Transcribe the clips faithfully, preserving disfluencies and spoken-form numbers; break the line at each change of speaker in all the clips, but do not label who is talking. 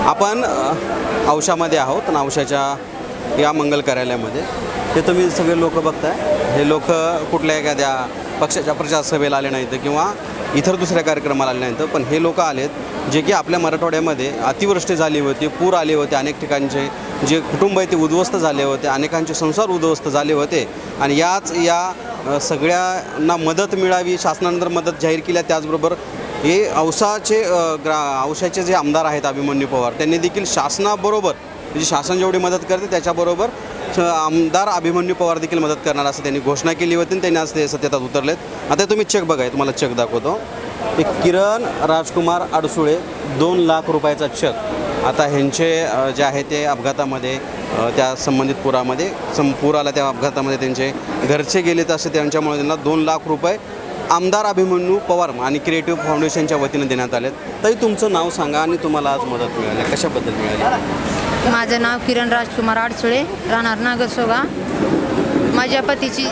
आपण अ, औशामध्ये आहोत आणि औशाच्या या मंगल कार्यालयामध्ये हे तुम्ही सगळे लोक बघताय. हे लोक कुठल्या एखाद्या पक्षाच्या प्रचार सभेला आले नाहीत किंवा इतर दुसऱ्या कार्यक्रमाला आले नाहीत, पण हे लोक आलेत जे की आपल्या मराठवाड्यामध्ये अतिवृष्टी झाली होती, पूर आले होते, अनेक ठिकाणचे जे कुटुंब आहे ते उद्ध्वस्त झाले होते, अनेकांचे संसार उद्ध्वस्त झाले होते आणि याच या अ, सगळ्यांना मदत मिळावी, शासनानंतर मदत जाहीर केल्या. त्याचबरोबर हे औसाचे अ, ग्रा औशाचे जे आमदार आहेत अभिमन्यू पवार, त्यांनी देखील शासनाबरोबर म्हणजे शासन जेवढी मदत करते त्याच्याबरोबर श- आमदार अभिमन्यू पवार देखील मदत करणार असं त्यांनी घोषणा केली होती आणि त्यांनी आज ते सत्तेत उतरलेत. आता तुम्ही चेक बघाय, तुम्हाला चेक दाखवतो. एक किरण राजकुमार अडसुळे दोन लाख रुपयाचा चेक. आता ह्यांचे अ, जे आहे ते अपघातामध्ये अ, त्या संबंधित पुरामध्ये सं पूर आला त्या अपघातामध्ये त्यांचे घरचे गेलेत असे त्यांच्यामुळे त्यांना दोन लाख रुपये आमदार अभिमन्यू पवार आणि क्रिएटिव्ह फाउंडेशनच्या वतीनं देण्यात आलेत. तरी तुमचं नाव सांगा आणि तुम्हाला आज मदत मिळाली, कशाबद्दल मिळाली?
माझं नाव किरण राजकुमार आडसुळे, राहणार नागरसोगा. माझ्या पतीची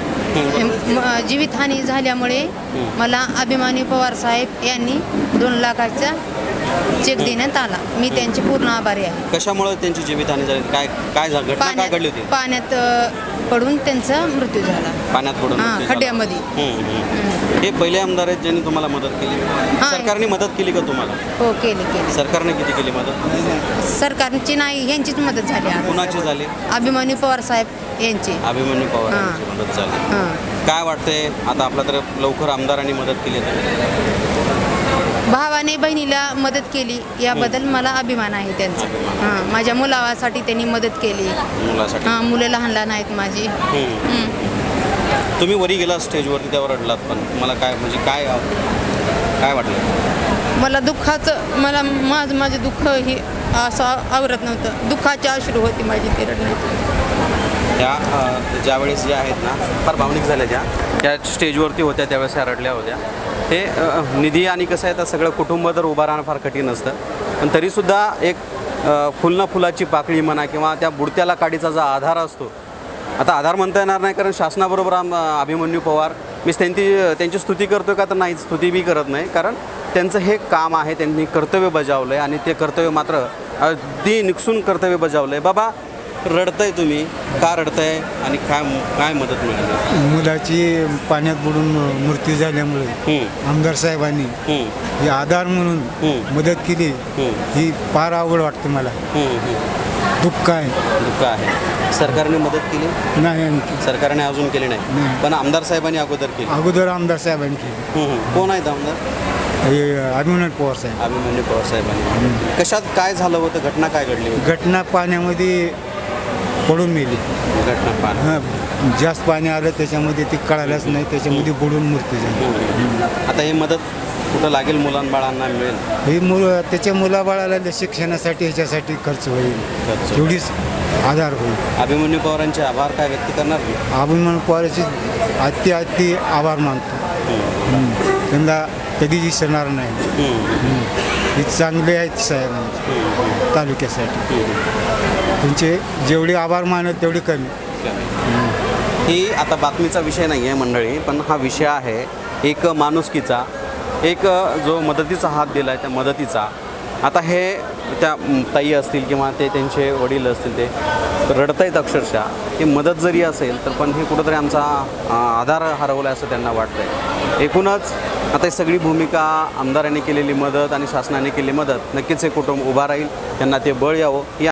म- जीवितहानी झाल्यामुळे मला अभिमानी पवार साहेब यांनी दोन लाखाचा चेक देण्यात आला. मी त्यांचे पूर्ण आभारी आहे.
कशामुळे त्यांची जीवितहानी झाली? काय काय झा- घटना काय घडली होती?
पाण्यात अ, पडून त्यांचा मृत्यू झाला.
पाण्यात पडून
हां,
मृत्यू झाला.
खड्ड्यामध्ये.
हम्म, हम्म. हे पहिले आमदार आहेत ज्यांनी तुम्हाला मदत केली. सरकारने मदत केली का तुम्हाला?
हो, केली केली.
सरकारने किती केली मदत?
सरकारची नाही, यांचीच मदत झाली आज.
कुणाची झाली?
अभिमानी पवार साहेब यांची.
अभिमन्यू पवार
हां.
यांची मदत झाली.
हां.
काय वाटतंय आता आपल्या तर लवकर आमदारांनी मदत केली तर?
भावाने बहिणीला मदत केली याबद्दल मला अभिमान आहे त्यांचा.
अभिमान.
हां, माझ्या मुलासाठी त्यांनी मदत केली.
मुलासाठी
हां, मुलं लहान लहान आहेत माझी.
हम्म.
हं.
तुम्ही वरी गेला स्टेजवरती, त्यावर रडलात, पण मला काय म्हणजे काय काय वाटलं?
मला दुःखाचं मला माझं माझं दुःख हे असं आवरत नव्हतं. दुःखाचे अश्रू होती माझी ती रडण्याची.
त्या अ, ज्यावेळेस ज्या आहेत ना फार भावनिक झाल्या, ज्या त्या स्टेजवरती होत्या त्यावेळेस ह्या रडल्या होत्या. हे अ, निधी आणि कसं आहे तर सगळं कुटुंब तर उभं राहणं फार कठीण असतं, पण तरीसुद्धा एक अ, फुलना फुलाची पाकळी म्हणा किंवा त्या बुडत्याला काडीचा जो आधार असतो, आता आधार म्हणता येणार नाही कारण शासनाबरोबर आम अभिमन्यू पवार, मी त्यांची त्यांची स्तुती करतो का तर नाही, स्तुती बी करत नाही, कारण त्यांचं हे काम आहे, त्यांनी कर्तव्य बजावलं आहे आणि ते कर्तव्य मात्र अगदी निकसून कर्तव्य बजावलं आहे. बाबा रडताय तुम्ही, का रडताय आणि काय काय मदत मिळाली?
मुलाची पाण्यात बुडून मृत्यू झाल्यामुळे
हम्म,
आमदार साहेबांनी
हम्म,
ही आधार म्हणून
हम्म.
मदत केली.
हम्म.
ही फार आवड वाटते मला.
हम्म, हम्म.
दुःख आहे.
दुःख आहे. सरकारने मदत केली?
नाही आणखी.
सरकारने अजून केली नाही,
नाही.
पण आमदार साहेबांनी अगोदर केली.
अगोदर आमदार साहेबांनी केली.
हम्म, हम्म. कोण आहेत आमदार?
हे अभिमन्यू पवार साहेब.
अभिमन्यू पवार साहेबांनी. कशात काय झालं होतं? घटना काय घडली होती?
घटना पाण्यामध्ये पडून मेली.
घटना पाहणं.
हां, जास्त पाणी आलं त्याच्यामध्ये ती कळालंच नाही, त्याच्यामध्ये बुडून मृत्यू झाली.
आता ही मदत कुठं लागेल? मुलांबाळांना मिळेल?
ही मुलं त्याच्या मुलाबाळाला शिक्षणासाठी ह्याच्यासाठी खर्च होईल,
खर्च.
एवढीच आधार होईल.
अभिमन्यू पवारांचे आभार काय व्यक्त करणार मी?
अभिमान पवारांचे अति अति आभार मानतो. हं. त्यांना कधी विसरणार नाही. हं. हे चांगले आहेत साहेब तालुक्यासाठी. त्यांचे जेवढे आभार मानत तेवढे कमी.
ही आता बातमीचा विषय नाही आहे मंडळी, पण हा विषय आहे एक माणुसकीचा, एक जो मदतीचा हात दिला आहे त्या मदतीचा. आता हे त्या ताई असतील किंवा ते त्यांचे वडील असतील, ते रडतायत अक्षरशः. ही मदत जरी असेल तर पण हे कुठंतरी आमचा अ, आधार हरवला असं त्यांना वाटतंय. एकूणच आता ही सगळी भूमिका आमदारांनी केलेली मदत आणि शासनाने केलेली मदत, नक्कीच हे कुटुंब उभा राहील, त्यांना ते बळ यावं. ही